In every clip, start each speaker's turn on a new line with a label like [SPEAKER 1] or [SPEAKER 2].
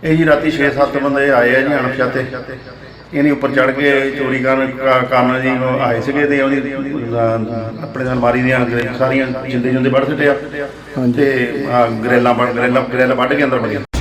[SPEAKER 1] ਇਹ ਜੀ ਰਾਤੀ 6-7 ਬੰਦੇ ਆਏ ਆ ਜੀ ਅਣਪਛਾਤੇ। ਇਹਨੇ ਉੱਪਰ ਚੜ੍ਹ ਕੇ ਚੋਰੀ ਕਰਨ ਜੀ ਆਏ ਸੀਗੇ ਤੇ ਉਹਦੀ ਆਪਣੇ ਅਲਮਾਰੀ ਦੀਆਂ ਸਾਰੀਆਂ ਜਿੰਦੇ ਵੱਢ ਸੁੱਟੇ ਆ ਤੇ ਗਰੇਲਾਂ ਵੱਢ ਕੇ ਅੰਦਰ ਵੜ ਗਏ।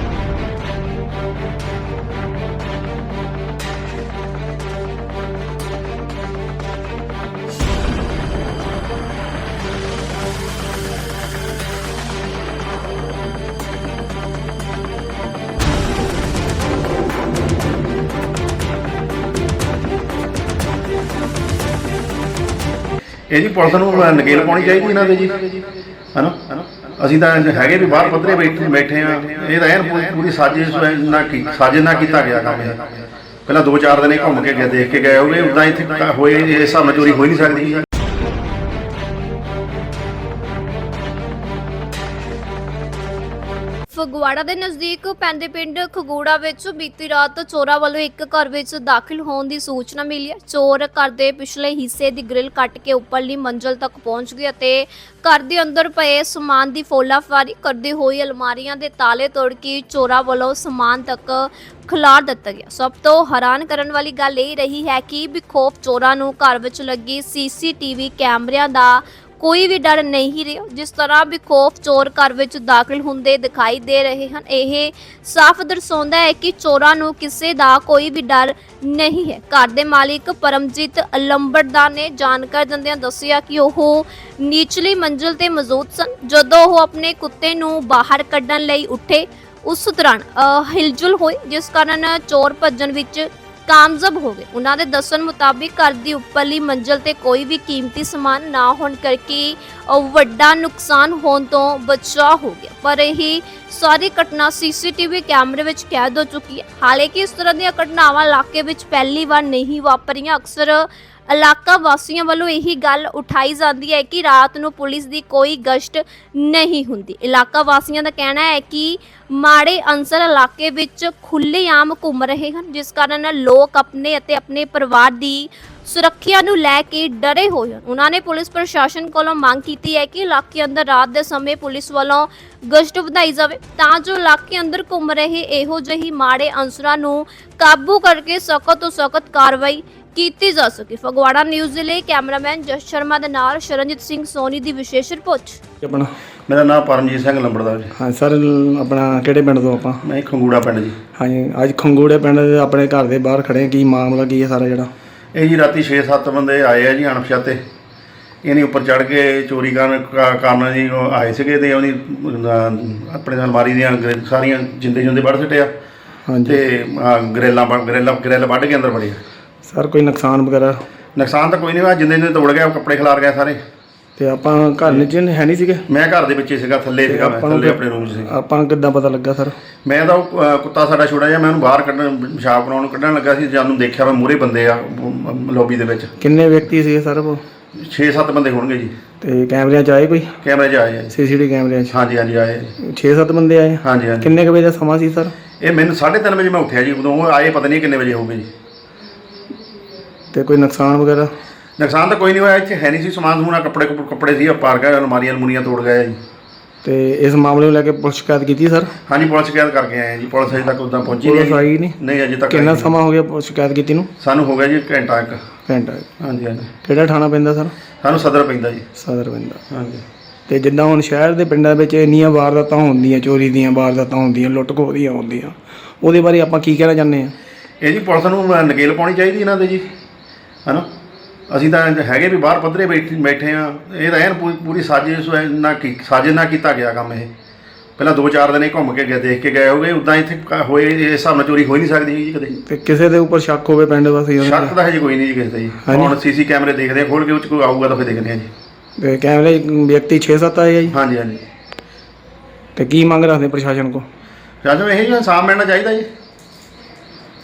[SPEAKER 1] ਇਹ ਜੀ ਪੁਲਿਸ ਨੂੰ ਨਕੇਲ ਪਾਉਣੀ ਚਾਹੀਦੀ ਇਹਨਾਂ ਦੇ ਜੀ, ਹੈ ਨਾ। ਅਸੀਂ ਤਾਂ ਹੈਗੇ ਵੀ ਬਾਹਰ ਪੱਧਰੇ ਬੈਠੇ ਆ। ਇਹ ਤਾਂ ਐਨ ਪੂਰੀ ਸਾਜ਼ਿਸ਼ ਨਾਲ ਕੀਤਾ ਗਿਆ ਕੰਮ। ਇਹ ਪਹਿਲਾਂ 2-4 ਦਿਨ ਘੁੰਮ ਕੇ ਗਏ, ਦੇਖ ਕੇ ਗਏ ਹੋਵੇ। ਉੱਦਾਂ ਇੱਥੇ ਹੋਏ ਇਸ ਹਿਸਾਬ ਨਾਲ ਚੋਰੀ ਹੋ ਹੀ ਨਹੀਂ ਸਕਦੀ।
[SPEAKER 2] ਫਗਵਾੜਾ ਦੇ ਨਜ਼ਦੀਕ ਪੈਂਦੇ ਪਿੰਡ ਖਗੂੜਾ ਵਿੱਚ ਬੀਤੀ ਰਾਤ ਚੋਰਾਂ ਵੱਲੋਂ ਇੱਕ ਘਰ ਵਿੱਚ ਦਾਖਲ ਹੋਣ ਦੀ ਸੂਚਨਾ ਮਿਲੀ ਹੈ। ਚੋਰ ਘਰ ਦੇ ਪਿਛਲੇ ਹਿੱਸੇ ਦੀ ਗ੍ਰਿਲ ਕੱਟ ਕੇ ਉੱਪਰਲੀ ਮੰਜ਼ਲ ਤੱਕ ਪਹੁੰਚ ਗਏ ਅਤੇ ਘਰ ਦੇ ਅੰਦਰ ਪਏ ਸਮਾਨ ਦੀ ਫੋਲਾਫਾਰੀ ਕਰਦੇ ਹੋਏ ਅਲਮਾਰੀਆਂ ਦੇ ਤਾਲੇ ਤੋੜ ਕੇ ਚੋਰਾਂ ਵੱਲੋਂ ਸਮਾਨ ਤੱਕ ਖਿਲਾਰ ਦਿੱਤਾ ਗਿਆ। ਸਭ ਤੋਂ ਹੈਰਾਨ ਕਰਨ ਵਾਲੀ ਗੱਲ ਇਹ ਰਹੀ ਹੈ ਕਿ ਬੇਖੌਫ ਚੋਰਾਂ ਨੂੰ ਘਰ ਵਿੱਚ ਲੱਗੇ CCTV ਕੈਮਰਿਆਂ ਦਾ ਕੋਈ ਵੀ ਡਰ ਨਹੀਂ ਰਿਹਾ। ਜਿਸ ਤਰ੍ਹਾਂ ਬੇਖੌਫ ਚੋਰ ਘਰ ਵਿੱਚ ਦਾਖਲ ਹੁੰਦੇ ਦਿਖਾਈ ਦੇ ਰਹੇ ਹਨ, ਇਹ ਸਾਫ਼ ਦਰਸਾਉਂਦਾ ਹੈ ਕਿ ਚੋਰਾਂ ਨੂੰ ਕਿਸੇ ਦਾ ਕੋਈ ਵੀ ਡਰ ਨਹੀਂ ਹੈ। ਘਰ ਦੇ ਮਾਲਿਕ ਪਰਮਜੀਤ ਲੰਬੜਦਾਰ ਨੇ ਜਾਣਕਾਰੀ ਦਿੰਦਿਆਂ ਦੱਸਿਆ ਕਿ ਉਹ ਨੀਚਲੀ ਮੰਜ਼ਿਲ ਤੇ ਮੌਜੂਦ ਸਨ ਜਦੋਂ ਉਹ ਆਪਣੇ ਕੁੱਤੇ ਨੂੰ ਬਾਹਰ ਕੱਢਣ ਲਈ ਉੱਠੇ। ਉਸ ਦੌਰਾਨ ਹਿਲਜੁਲ ਹੋਈ, ਜਿਸ ਕਾਰਨ ਚੋਰ ਭੱਜਣ ਵਿੱਚ ਕਾਮਯਾਬ ਹੋ ਗਏ। ਉਹਨਾਂ ਦੇ ਦੱਸਣ ਮੁਤਾਬਿਕ ਘਰ ਦੀ ਉੱਪਰਲੀ ਮੰਜ਼ਿਲ ਤੇ ਕੋਈ ਵੀ ਕੀਮਤੀ ਸਮਾਨ ਨਾ ਹੋਣ ਕਰਕੇ ਵੱਡਾ ਨੁਕਸਾਨ ਹੋਣ ਤੋਂ ਬਚਾਅ ਹੋ ਗਿਆ। ਪਰ ਇਹ ਸਾਰੀ ਘਟਨਾ CCTV ਕੈਮਰੇ ਵਿੱਚ ਕੈਦ ਹੋ ਚੁੱਕੀ ਹੈ। ਹਾਲਾਂਕਿ ਇਸ ਤਰ੍ਹਾਂ ਦੀਆਂ ਘਟਨਾਵਾਂ ਇਲਾਕੇ ਵਿੱਚ ਪਹਿਲੀ ਵਾਰ ਨਹੀਂ ਵਾਪਰੀਆਂ। ਅਕਸਰ ਇਲਾਕਾ ਵਾਸੀਆਂ ਵੱਲੋਂ ਇਹੀ ਗੱਲ ਉਠਾਈ ਜਾਂਦੀ ਹੈ ਕਿ ਰਾਤ ਨੂੰ ਪੁਲਿਸ ਦੀ ਕੋਈ ਗਸ਼ਤ ਨਹੀਂ ਹੁੰਦੀ। ਇਲਾਕਾ ਵਾਸੀਆਂ ਦਾ ਕਹਿਣਾ ਹੈ ਕਿ ਮਾੜੇ ਅਨਸਰ ਇਲਾਕੇ ਵਿੱਚ ਖੁੱਲ੍ਹੇਆਮ ਘੁੰਮ ਰਹੇ ਹਨ, ਜਿਸ ਕਾਰਨ ਲੋਕ ਆਪਣੇ ਅਤੇ ਆਪਣੇ ਪਰਿਵਾਰ ਦੀ ਸੁਰੱਖਿਆ ਨੂੰ ਲੈ ਕੇ ਡਰੇ ਹੋਏ ਹਨ। ਉਹਨਾਂ ਨੇ ਪੁਲਿਸ ਪ੍ਰਸ਼ਾਸਨ ਕੋਲੋਂ ਮੰਗ ਕੀਤੀ ਹੈ ਕਿ ਇਲਾਕੇ ਅੰਦਰ ਰਾਤ ਦੇ ਸਮੇਂ ਪੁਲਿਸ ਵੱਲੋਂ ਗਸ਼ਤ ਵਧਾਈ ਜਾਵੇ ਤਾਂ ਜੋ ਇਲਾਕੇ ਅੰਦਰ ਘੁੰਮ ਰਹੇ ਇਹੋ ਜਿਹੀ ਮਾੜੇ ਅਨਸਰਾਂ ਨੂੰ ਕਾਬੂ ਕਰਕੇ ਸਖਤ ਤੋਂ ਸਖਤ ਕਾਰਵਾਈ ਕੀਤੀ ਜਾ ਸਕੇ। ਫਗਵਾੜਾ ਨਿਊਜ਼ ਦੇ ਲਈ ਕੈਮਰਾਮੈਨ ਜਸ ਸ਼ਰਮਾ ਦੇ ਨਾਲ ਸ਼ਰਨਜੀਤ ਸਿੰਘ ਸੋਨੀ ਦੀ ਵਿਸ਼ੇਸ਼ ਰਿਪੋਰਟ।
[SPEAKER 1] ਆਪਣਾ ਮੇਰਾ ਨਾਮ ਪਰਮਜੀਤ ਸਿੰਘ ਲੰਬੜਦਾਰ ਜੀ।
[SPEAKER 3] ਹਾਂ ਸਰ, ਆਪਣਾ ਕਿਹੜੇ ਪਿੰਡ ਤੋਂ ਆਪਾਂ?
[SPEAKER 1] ਮੈਂ ਖੰਗੂੜਾ ਪਿੰਡ ਜੀ।
[SPEAKER 3] ਹਾਂਜੀ, ਅੱਜ ਖੰਗੂੜੇ ਪਿੰਡ ਦੇ ਆਪਣੇ ਘਰ ਦੇ ਬਾਹਰ ਖੜੇ। ਕੀ ਮਾਮਲਾ ਕੀ ਹੈ ਸਾਰਾ ਜਿਹੜਾ? ਇਹ
[SPEAKER 1] ਜੀ ਰਾਤੀ 6-7 ਬੰਦੇ ਆਏ ਆ ਜੀ ਅਣਪਛਾਤੇ। ਇਹਨੇ ਉੱਪਰ ਚੜ੍ਹ ਕੇ ਚੋਰੀ ਕਰਨ ਜੀ ਆਏ ਸੀਗੇ ਤੇ ਉਹਦੀ ਆਪਣੇ ਅਲਮਾਰੀ ਦੀਆਂ ਸਾਰੀਆਂ ਜਿੰਦੇ ਵੱਢ ਸੁੱਟੇ ਆ ਤੇ ਗਰੇਲਾਂ ਵੱਢ ਕੇ ਅੰਦਰ ਵੜੇ।
[SPEAKER 3] ਸਰ ਕੋਈ ਨੁਕਸਾਨ ਵਗੈਰਾ?
[SPEAKER 1] ਨੁਕਸਾਨ ਤਾਂ ਕੋਈ ਨਹੀਂ ਹੋਇਆ, ਜਿੰਦੇ ਤੋੜ ਗਿਆ, ਕੱਪੜੇ ਖਿਲਾਰ ਗਏ ਸਾਰੇ।
[SPEAKER 3] ਤੇ ਆਪਾਂ ਘਰ ਵਿੱਚ ਹੈ ਨਹੀਂ ਸੀਗੇ?
[SPEAKER 1] ਮੈਂ ਘਰ ਦੇ ਵਿੱਚ ਹੀ ਸੀਗਾ, ਥੱਲੇ ਸੀਗਾ, ਮੈਂ ਥੱਲੇ ਆਪਣੇ ਰੂਮ 'ਚ ਸੀ।
[SPEAKER 3] ਆਪਾਂ ਕਿੱਦਾਂ ਪਤਾ ਲੱਗਾ ਸਰ? ਮੈਂ
[SPEAKER 1] ਤਾਂ ਕੁੱਤਾ ਸਾਡਾ ਛੋਟਾ ਜਿਹਾ, ਮੈਂ ਉਹਨੂੰ ਬਾਹਰ ਪਿਸ਼ਾਬ ਬਣਾਉਣ ਕੱਢਣ ਲੱਗਾ ਸੀ, ਜਦੋਂ ਦੇਖਿਆ ਮੈਂ ਮੂਹਰੇ ਬੰਦੇ ਆ ਲੌਬੀ ਦੇ ਵਿੱਚ।
[SPEAKER 3] ਕਿੰਨੇ ਵਿਅਕਤੀ ਸੀਗੇ ਸਰ ਉਹ?
[SPEAKER 1] 6-7 ਬੰਦੇ ਹੋਣਗੇ ਜੀ।
[SPEAKER 3] ਤੇ ਕੈਮਰਿਆਂ 'ਚ ਆਏ ਕੋਈ?
[SPEAKER 1] ਕੈਮਰੇ 'ਚ ਆਏ ਆ।
[SPEAKER 3] CCTV ਕੈਮਰਿਆਂ 'ਚ?
[SPEAKER 1] ਹਾਂਜੀ ਆਏ।
[SPEAKER 3] 6-7 ਬੰਦੇ ਆਏ?
[SPEAKER 1] ਹਾਂਜੀ।
[SPEAKER 3] ਕਿੰਨੇ ਕੁ ਵਜੇ ਦਾ ਸਮਾਂ ਸੀ ਸਰ?
[SPEAKER 1] ਇਹ ਮੈਨੂੰ 3:30 ਵਜੇ ਮੈਂ ਉੱਠਿਆ ਜੀ, ਉਦੋਂ ਉਹ ਆਏ, ਪਤਾ ਨਹੀਂ ਕਿੰਨੇ ਵਜੇ ਹੋਊਗੇ ਜੀ।
[SPEAKER 3] ਤੇ ਕੋਈ ਨੁਕਸਾਨ ਵਗੈਰਾ?
[SPEAKER 1] ਨੁਕਸਾਨ ਤਾਂ ਕੋਈ ਨਹੀਂ ਹੋਇਆ, ਇੱਥੇ ਹੈ ਨਹੀਂ ਸੀ ਸਮਾਨ ਸਮੂਨ, ਕੱਪੜੇ ਸੀ ਪਾਰ ਗਏ, ਅਲਮਾਰੀਆਂ ਤੋੜ ਗਏ ਜੀ।
[SPEAKER 3] ਤੇ ਇਸ ਮਾਮਲੇ ਨੂੰ ਲੈ ਕੇ ਪੁਲਿਸ ਸ਼ਿਕਾਇਤ ਕੀਤੀ ਸਰ? ਹਾਂਜੀ,
[SPEAKER 1] ਪੁਲਿਸ ਸ਼ਿਕਾਇਤ ਕਰਕੇ ਆਏ ਜੀ। ਪੁਲਿਸ ਅਜੇ ਤੱਕ ਉੱਦਾਂ ਪਹੁੰਚੀ ਨਹੀਂ ਅਜੇ ਤੱਕ।
[SPEAKER 3] ਕਿੰਨਾ ਸਮਾਂ ਹੋ ਗਿਆ ਸ਼ਿਕਾਇਤ ਕੀਤੀ ਨੂੰ?
[SPEAKER 1] ਸਾਨੂੰ ਹੋ ਗਿਆ ਜੀ ਘੰਟਾ। ਹਾਂਜੀ।
[SPEAKER 3] ਕਿਹੜਾ ਥਾਣਾ ਪੈਂਦਾ ਸਰ?
[SPEAKER 1] ਸਾਨੂੰ ਸਦਰ ਪੈਂਦਾ ਜੀ।
[SPEAKER 3] ਸਦਰ ਪੈਂਦਾ।
[SPEAKER 1] ਹਾਂਜੀ।
[SPEAKER 3] ਤੇ ਜਿੱਦਾਂ ਹੁਣ ਸ਼ਹਿਰ ਦੇ ਪਿੰਡਾਂ ਵਿੱਚ ਇੰਨੀਆਂ ਵਾਰਦਾਤਾਂ ਹੁੰਦੀਆਂ, ਚੋਰੀ ਦੀਆਂ ਵਾਰਦਾਤਾਂ ਹੁੰਦੀਆਂ, ਲੁੱਟ ਖੋਹ ਦੀਆਂ ਹੁੰਦੀਆਂ, ਉਹਦੇ ਬਾਰੇ ਆਪਾਂ ਕੀ ਕਹਿਣਾ ਚਾਹੁੰਦੇ ਹਾਂ? ਇਹ
[SPEAKER 1] ਜੀ ਪੁਲਿਸ ਨੂੰ ਨਕੇਲ ਪਾਉਣੀ ਚਾਹੀਦੀ ਇਹਨਾਂ ਦੇ ਜੀ, ਹੈ ਨਾ। ਅਸੀਂ ਤਾਂ ਹੈਗੇ ਵੀ ਬਾਹਰ ਪੱਧਰੇ ਬੈਠੇ ਆ। ਇਹ ਤਾਂ ਐਨ ਪੂਰੀ ਸਾਜ਼ਿਸ਼ ਨਾਲ ਕੀਤਾ ਗਿਆ ਕੰਮ। ਇਹ ਪਹਿਲਾਂ 2-4 ਦਿਨ ਘੁੰਮ ਕੇ ਗਏ, ਦੇਖ ਕੇ ਗਏ ਹੋਵੇ। ਉੱਦਾਂ ਇੱਥੇ ਹੋਏ ਇਸ ਹਿਸਾਬ ਨਾਲ ਚੋਰੀ ਹੋ ਹੀ ਨਹੀਂ ਸਕਦੀ ਜੀ ਕਦੇ।
[SPEAKER 3] ਤੇ ਕਿਸੇ ਦੇ ਉੱਪਰ ਸ਼ੱਕ ਹੋਵੇ ਪਿੰਡ ਵਾਸੀ?
[SPEAKER 1] ਸ਼ੱਕ ਤਾਂ ਹਜੇ ਕੋਈ ਨਹੀਂ ਜੀ ਕਿਸੇ ਦਾ ਜੀ। ਹੁਣ CC ਕੈਮਰੇ ਦੇਖਦੇ ਆ, ਖੋਲ੍ਹ ਕੇ, ਉਹ 'ਚ ਕੋਈ ਆਊਗਾ ਤਾਂ ਫਿਰ ਦੇਖਦੇ ਆ ਜੀ।
[SPEAKER 3] ਤੇ ਕੈਮਰੇ ਵਿਅਕਤੀ 6-7 ਆਏ ਆ ਜੀ?
[SPEAKER 1] ਹਾਂਜੀ।
[SPEAKER 3] ਤੇ ਕੀ ਮੰਗ ਰੱਖਦੇ ਪ੍ਰਸ਼ਾਸਨ ਕੋਲ?
[SPEAKER 1] ਪ੍ਰਸ਼ਾਸਨ ਨੂੰ ਇਹ ਜੀ ਇਨਸਾਫ ਮਿਲਣਾ ਚਾਹੀਦਾ ਜੀ।